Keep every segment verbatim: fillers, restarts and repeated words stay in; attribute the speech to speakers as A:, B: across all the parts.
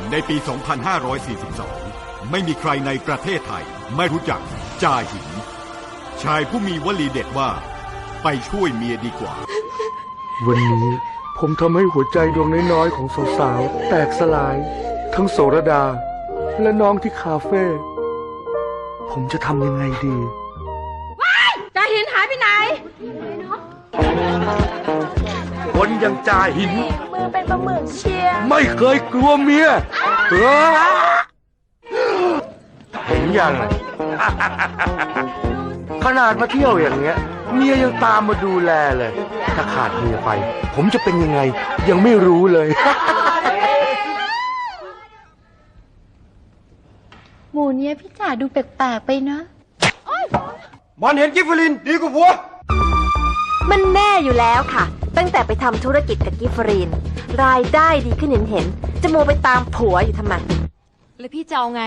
A: ในปี สองพันห้าร้อยสี่สิบสอง ไม่มีใครในประเทศไทยไม่รู้จักจ่าหินชายผู้มีวลีเด็ดว่าไปช่วยเมียดีกว่า
B: วันนี้ผมทำให้หัวใจดวงน้อยๆของสาวๆแตกสลาย ทั้งโสรดาและน้องที่คาเฟ่ผมจะทำยังไงดี
C: ว้ายจ่าหินหายไปไหน
B: คนอย่างจ่าหิน
C: มือเป็นปลาหมึกเชีย
B: ไม่เคยกลัวเมียเออเห็นยัง ขนาดมาเที่ยวอย่างเงี้ยเมียยังตามมาดูแลเลยถ้าขาดเมียไปผมจะเป็นยังไงยังไม่รู้เลย
C: หมูเนี้ยพี่จ่าดูแปลกๆไปนะ
B: มันเห็นกิฟฟลินดีกว่าผัว
D: มันแน่อยู่แล้วค่ะ ตั้งแต่ไปทำธุรกิจกับกิฟฟรีนรายได้ดีขึ้นเห็นเห็นจะโมไปตามผัวอยู่ทำไม
C: แล้วพี่จะเอาไง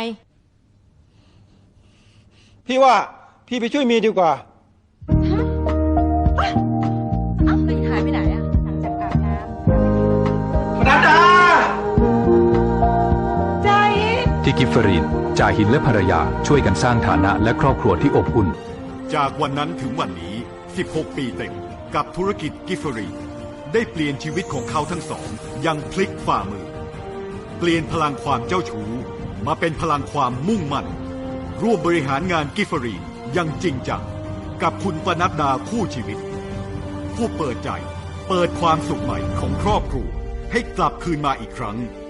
E: พี่ว่าพี่ไปช่วยเมียดีกว่า
C: ฮะเอ้าแล้วหายไปไหนอะหลังจากอาบน้ำ
E: ปนัดดา
C: ใจ
F: ที่กิฟเฟอรีนจ่าหินและภรรยาช่วยกันสร้างฐานะและครอบครัวที่อบอุ่น
A: จากวันนั้นถึงวันนี้สิบหกปีเต็มกับธุรกิจกิฟเฟอรีนได้เปลี่ยนชีวิตของเขาทั้งสองอย่างพลิกฝ่ามือเปลี่ยนพลังความเจ้าชู้มาเป็นพลังความมุ่งมั่นร่วมบริหารงานกิฟเฟอรีนอย่างจริงจังกับคุณปนัดดาคู่ชีวิตผู้เปิดใจเปิดความสุขใหม่ของครอบครัวให้กลับคืนมาอีกครั้ง